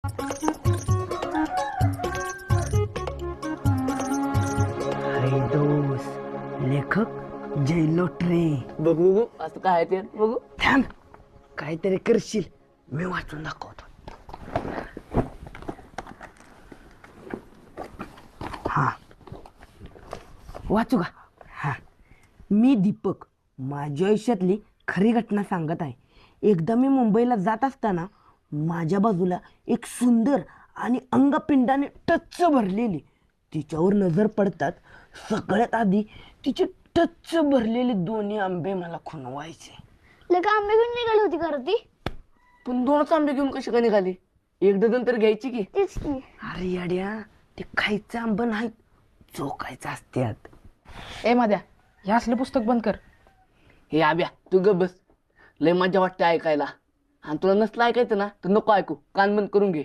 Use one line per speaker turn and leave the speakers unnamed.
हाय दोस्त, लेखक जयलोटरे.
बघू बघू असं काय आहे ते बघू.
थांब, काहीतरी करशील, मी वाचून दाखवतो. हा, वाचू का? हा. मी दीपक माझ्या आयुष्यातली खरी घटना सांगत आहे. एकदा मी मुंबईला जात असताना माझ्या बाजूला एक सुंदर आणि अंगपिंडाने टच्च भरलेली, तिच्यावर नजर पडतात सगळ्यात आधी तिचे टच्च भरलेले दोन्ही आंबे मला खुणवायचे.
लका आंबे घेऊन निघाली होती का रे ती?
पण दोनच आंबे घेऊन कशी काय निघाली? एक डझन तर घ्यायची की.
तेच की.
अरे याड्या, ते खायचं आंब नाही, चोकायचं असत्यात.
ए माद्या, हे असलं पुस्तक बंद कर.
हे आब्या तू ग बस, लय मजा वाटते ऐकायला. आणि तुला नसलं ऐकायचं ना तर नको ऐकू, कान बंद करून घे.